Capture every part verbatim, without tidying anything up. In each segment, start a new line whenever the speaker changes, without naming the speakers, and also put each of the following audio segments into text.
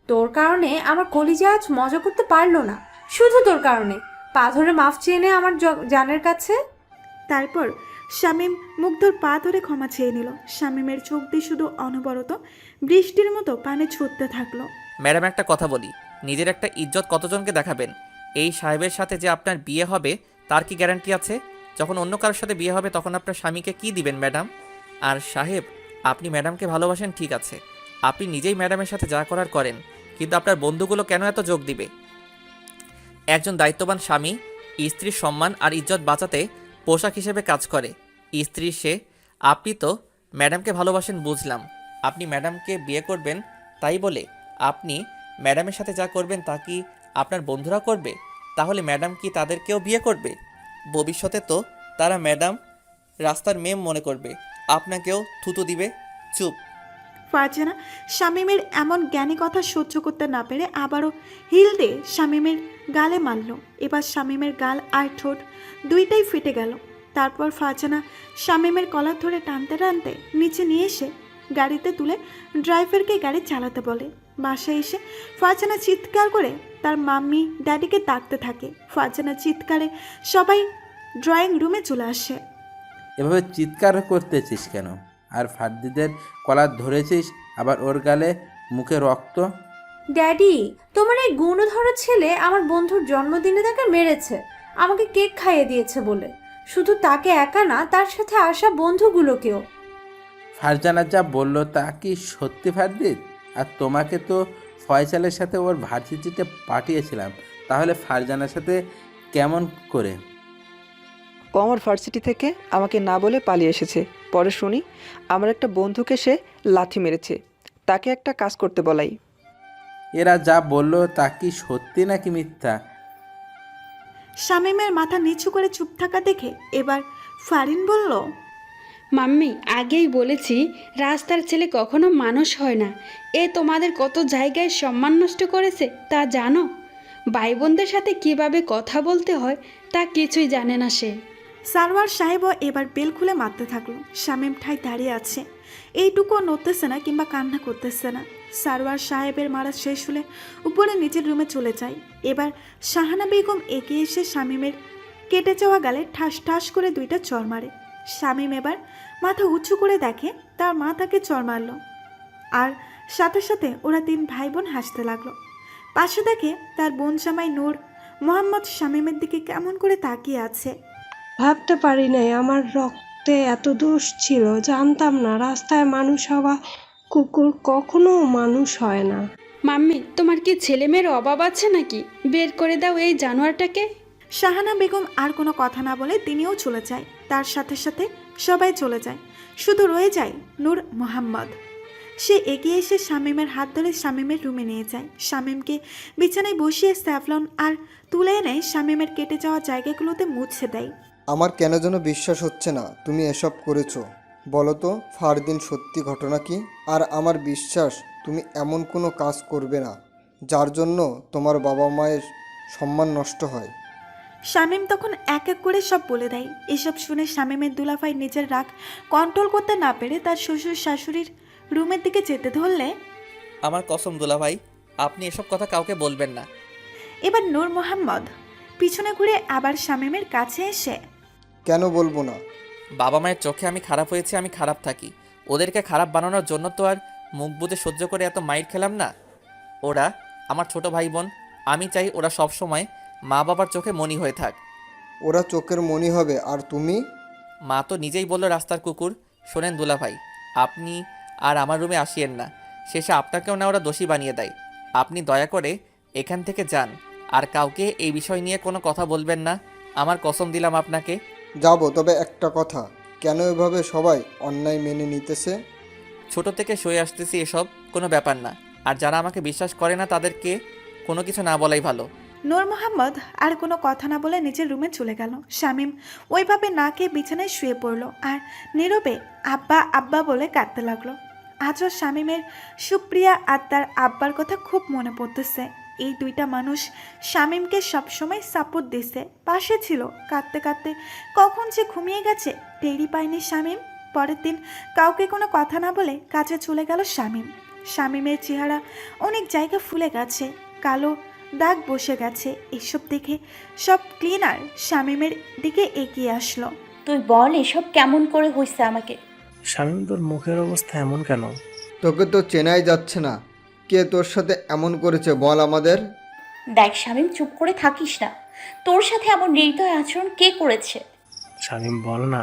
তোর কারণে আমার কলিজা আজ মজা করতে পারলো না, শুধু তোর কারণে। পা ধরে মাফ চেয়ে নে আমার জ- জানের কাছে।
তারপর শামীম মুগ্ধর পা ধরে ক্ষমা চেয়ে নিল। শামীমের চোখ দিয়ে শুধু অনবরত বৃষ্টির মতো পানি ছুটতে থাকলো।
ম্যাডাম, একটা কথা বলি, নিজের একটা ইজ্জত কতজনকে দেখাবেন? এই সাহেবের সাথে যে আপনার বিয়ে হবে তার কি গ্যারান্টি আছে? যখন অন্য কারোর সাথে বিয়ে হবে তখন আপনার স্বামীকে কি দিবেন ম্যাডাম? আর সাহেব, আপনি ম্যাডামকে ভালোবাসেন ঠিক আছে, আপনি নিজেই ম্যাডামের সাথে যা করার করেন, কিন্তু আপনার বন্ধুগুলো কেন এত যোগ দিবে? একজন দায়িত্ববান স্বামী স্ত্রীর সম্মান আর ইজ্জত বাঁচাতে পোশাক হিসেবে কাজ করে। স্ত্রী সে। আপনি তো ম্যাডামকে ভালোবাসেন বুঝলাম, আপনি ম্যাডামকে বিয়ে করবেন, তাই বলে আপনি ম্যাডামের সাথে যা করবেন তা কি আপনার বন্ধুরা করবে? তাহলে ম্যাডাম কি তাদেরকেও বিয়ে করবে? ভবিষ্যতে তো তারা ম্যাডাম রাস্তার মেম মনে করবে, আপনাকেও থুতু দিবে। চুপ।
ফারজানা শামীমের এমন জ্ঞানী কথা সহ্য করতে না পেরে আবারও হিল দিয়ে শামীমের গালে মারল। এবার শামীমের গাল আর ঠোঁট দুইটাই ফেটে গেল। তারপর ফারজানা শামীমের কলার ধরে টানতে টানতে নিচে নিয়ে এসে গাড়িতে তুলে ড্রাইভারকে গাড়ি চালাতে বলে। বাসায় এসে ফারজানা চিৎকার করে তার মাম্মি ড্যাডিকে ডাকতে থাকে। ফারজানা চিৎকারে সবাই ড্রয়িং রুমে চলে আসে।
এভাবে চিৎকার করতেছিস কেন? আর ফার্দিদের কলার ধরেছিস, আবার ওর গালে মুখে রক্ত।
ড্যাডি, তোমার এই গুণধর ছেলে আমার বন্ধুর জন্মদিনে তাকে মেরেছে, আমাকে কেক খাইয়ে দিয়েছে বলে। শুধু তাকে একা না, তার সাথে আসা বন্ধুগুলোকেও।
ফারজানা যা বলল তা কি সত্যি ফারদিদ? আর তোমাকে তো ফয়সালের সাথে ওর ভার্সিটিতে পাঠিয়েছিলাম, তাহলে ফারজানার সাথে কেমন করে?
ও আমার ভার্সিটি থেকে আমাকে না বলে পালিয়ে এসেছে। পরে শুনি আমার একটা বন্ধুকে সে লাথি মেরেছে, তাকে একটা কাজ করতে বলাই।
এরা যা বলল তা কি সত্যি নাকি মিথ্যা?
শামীমের মাথা নিচু করে চুপ থাকা দেখে এবার ফারিন বলল,
মাম্মি, আগেই বলেছি রাস্তার ছেলে কখনো মানুষ হয় না। এ তোমাদের কত জায়গায় সম্মান নষ্ট করেছে তা জানো? ভাই বোনদের সাথে কিভাবে কথা বলতে হয় তা কিছুই জানে না সে।
সারওয়ার সাহেবও এবার বেল খুলে মারতে থাকলো। শামীম ঠাই দাঁড়িয়ে আছে, এইটুকুও নড়তেছে না কিংবা কান্না করতেছে না। সারওয়ার সাহেবের মারা শেষ হলে উপরে নিচের রুমে চলে যায়। এবার শাহানা বেগম এগিয়ে এসে শামীমের কেটে যাওয়া গালে ঠাস ঠাস করে দুইটা চর মারে। শামীম এবার মাথা উঁচু করে দেখে তার মা তাকে চর মারল, আর সাথে সাথে ওরা তিন ভাই বোন হাসতে লাগলো। পাশে দেখে তার বোন জামাই নূর মোহাম্মদ শামীমের দিকে কেমন করে তাকিয়ে আছে।
ভাবতে পারি নাই আমার রক্তে এত দোষ ছিল, জানতাম না রাস্তায় মানুষ হওয়া কুকুর কখনো মানুষ হয় না।
মাম্মি, তোমার কি ছেলে মেয়ের অভাব আছে নাকি? বের করে দাও এই জানোয়ারটাকে।
শাহানা বেগম আর কোনো কথা না বলে তিনিও চলে যায়। তার সাথে সাথে সবাই চলে যায়, শুধু রয়ে যায় নূর মোহাম্মদ। সে এগিয়ে এসে শামীমের হাত ধরে শামীমের রুমে নিয়ে যায়। শামীমকে বিছানায় বসিয়ে স্যাভলন আর তুলে এনে শামীমের কেটে যাওয়া জায়গাগুলোতে মুছে দেয়।
আমার কেন যেন বিশ্বাস হচ্ছে না তুমি এসব করেছো। বলো তো ফারদিন, সত্যি ঘটনা কি? আর আমার বিশ্বাস তুমি এমন কোনো কাজ করবে না যার জন্য তোমার বাবা মায়ের সম্মান নষ্ট হয়।
শামীম তখন এক এক করে সব বলে দেয়। এসব শুনে শামীমের দুলাভাই নিজের রাগ কন্ট্রোল করতে না পেরে তার শ্বশুর শাশুড়ির রুমের দিকে যেতে ধরলে,
আমার কসম দুলাভাই, আপনি এসব কথা কাউকে বলবেন না।
এবার নূর মোহাম্মদ পিছনে ঘুরে আবার শামীমের কাছে এসে,
কেন বলবো না?
বাবা মায়ের চোখে আমি খারাপ হয়েছি, আমি খারাপ থাকি। ওদেরকে খারাপ বানানোর জন্য তো আর মুখ বুজে সহ্য করে এত মাইর খেলাম না। ওরা আমার ছোট ভাই বোন, আমি চাই ওরা সব সময় মা বাবার চোখে মনি হয়ে থাক।
ওরা চোখের মনি হবে আর তুমি?
মা তো নিজেই বলল রাস্তার কুকুর। শোনেন দুলাভাই, আপনি আর আমার রুমে আসিয়েন না, শেষে আপনাকেও না ওরা দোষী বানিয়ে দেয়। আপনি দয়া করে এখান থেকে যান, আর কাউকে এই বিষয় নিয়ে কোনো কথা বলবেন না, আমার কসম দিলাম আপনাকে।
যাবো, তবে একটা কথা, কেন এভাবে সবাই অন্যায় মেনে নিতেছে?
ছোট থেকে সয়ে আসতেছি, এসব কোনো ব্যাপার না। আর যারা আমাকে বিশ্বাস করে না তাদেরকে কোনো কিছু না বলাই ভালো।
নূর মোহাম্মদ আর কোনো কথা না বলে নিজের রুমে চলে গেল। শামীম ওইভাবে না খেয়ে বিছানায় শুয়ে পড়ল আর নীরবে আব্বা আব্বা বলে কাঁদতে লাগলো। আজও শামীমের সুপ্রিয়া আর তার আব্বার কথা খুব মনে পড়তেছে। এই দুইটা মানুষ শামীমকে সবসময় সাপোর্ট দিছে, পাশে ছিল। কাঁদতে কাঁদতে কখন যে ঘুমিয়ে গেছে টেরই পায়নি শামীম। পরের দিন কাউকে কোনো কথা না বলে কাজে চলে গেল শামীম। শামীমের চেহারা অনেক জায়গা ফুলে গেছে, কালো দাগ বসে গেছে। এসব দেখে সব ক্লিনার শামীমের দিকে এগিয়ে আসলো।
তুই বল এসব কেমন করে হইছে আমাকে?
শামীম, তোর মুখের অবস্থা এমন কেন?
তোকে তো চেনাই যাচ্ছে না। কে তোর সাথে এমন করেছে বল আমাদের।
দেখ শামীম, চুপ করে থাকিস না। তোর সাথে এমন নির্দয় আচরণ কে করেছে?
শামীম, বল না।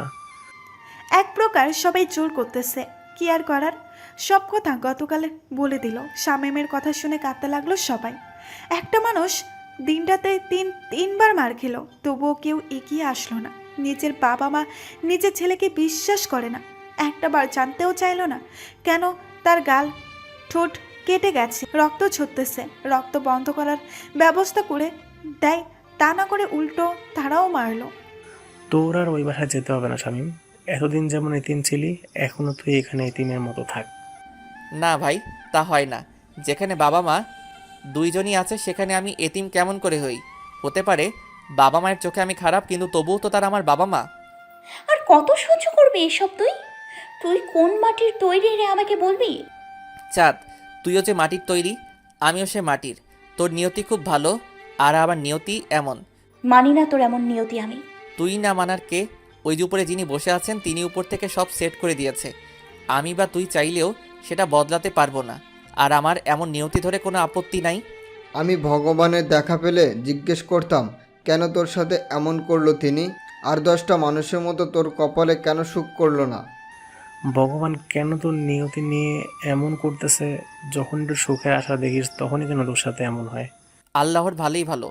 এক প্রকার সবাই জোর করতেছে, কি আর করার, সব কথা গতকালে বলে দিল। শামীমের কথা শুনে কাঁদতে লাগলো সবাই। একটা মানুষ দিনটাতে তিন তিনবার মার খেলো, তবুও কেউ এগিয়ে আসলো না। নিজের বাবা মা নিজের ছেলেকে বিশ্বাস করে না, একটা বার জানতেও চাইলো না কেন তার গাল ঠোঁট কেটে গেছে, রক্ত ঝরতেছে। রক্ত বন্ধ করার ব্যবস্থা করে দেয়, তা না করে উল্টো তারাও মারলো।
তোর আর ওই বাসায় যেতে হবে না শামীম। এতদিন যেমন এতিম ছিলি, এখনো তুই এখানে এতিমের মতো থাক।
না ভাই, তা হয় না। যেখানে বাবা মা দুইজনই আছে সেখানে আমি এতিম কেমন করে হই? হতে পারে বাবা মায়ের চোখে আমি খারাপ, কিন্তু তবুও তো তারা আমার বাবা মা।
আর কত সহ্য করবি এসব? তুই তুই কোন মাটির তৈরি রে আমাকে বলবি?
চাঁদ, তুইও যে মাটির তৈরি, আমিও সে মাটির। তোর নিয়তি খুব ভালো, আর আমার নিয়তি এমন।
মানি না তোর এমন নিয়তি আমি।
তুই না মানার কে? ওই যে উপরে যিনি বসে আছেন তিনি উপর থেকে সব সেট করে দিয়েছে। আমি বা তুই চাইলেও সেটা বদলাতে পারবো না। আর আমার এমন নিয়তি ধরে কোনো আপত্তি নাই।
আমি ভগবানের দেখা পেলে জিজ্ঞেস করতাম কেন তোর সাথে এমন করলো তিনি, আর দশটা মানুষের মতো তোর কপালে কেন সুখ করলো না।
ভগবান কেন তোর নিয়তি নিয়ে এমন করতেছে? যখন একটু সুখের আশা দেখিস তখনই কেন তোর সাথে এমন হয়?
আল্লাহর ভালোই ভালো।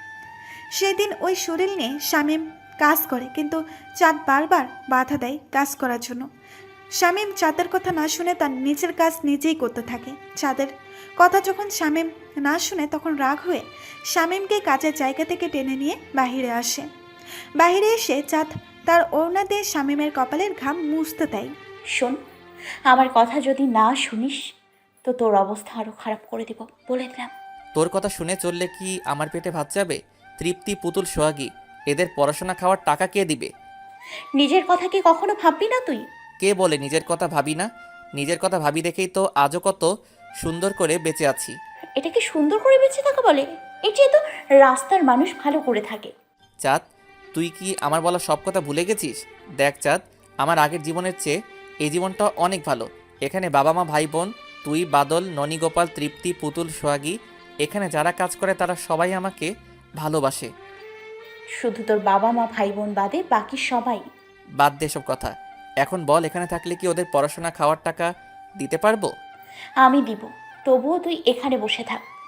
সেদিন ওই শরীর নিয়ে শামীম কাজ করে, কিন্তু চাঁদ বারবার বাধা দেয় কাজ করার জন্য। শামীম চাঁদের কথা না শুনে তার নিজের কাজ নিজেই করতে থাকে। চাঁদের কথা যখন শামীম না শুনে তখন রাগ হয়ে শামীমকে কাজের জায়গা থেকে টেনে নিয়ে বাহিরে আসে। বাহিরে এসে চাঁদ তার ওড়না দিয়ে শামীমের কপালের ঘাম মুছতে দেয়।
শোন, আমার কথা যদি না শুনিস তো তোর অবস্থা আরো খারাপ করে দিব, বলে দিলাম।
তোর কথা শুনে চললে কি আমার পেটে ভাত যাবে? তৃপ্তি, পুতুল, সোহাগী, এদের পড়াশোনা খাওয়ার টাকা কে দিবে?
নিজের কথা কি কখনো ভাববি না তুই?
কে বলে নিজের কথা ভাবি না? নিজের কথা ভাবি দেখেই তো আজও কত সুন্দর করে বেঁচে আছি।
এটা কি সুন্দর করে বেঁচে থাকা বলে? এই যে তো রাস্তার মানুষ ভালো করে থাকে।
চাঁদ, তুই কি আমার বলা সব কথা ভুলে গেছিস? দেখ চাঁদ, আমার আগের জীবনের চেয়ে এই জীবনটা অনেক ভালো। এখানে বাবা মা, ভাই বোন, তুই, বাদল, ননী, গোপাল, তৃপ্তি, পুতুল, সোহাগী, এখানে যারা কাজ করে তারা সবাই আমাকে ভালোবাসে।
শুধু তোর বাবা মা ভাই বোন বাদে বাকি সবাই।
বাদ দে সব কথা। এখন বল, এখানে থাকলে কি ওদের পড়াশোনা খাওয়ার টাকা দিতে পারবো?
আমি দিব, তবুও তুই এখানে বসে থাক।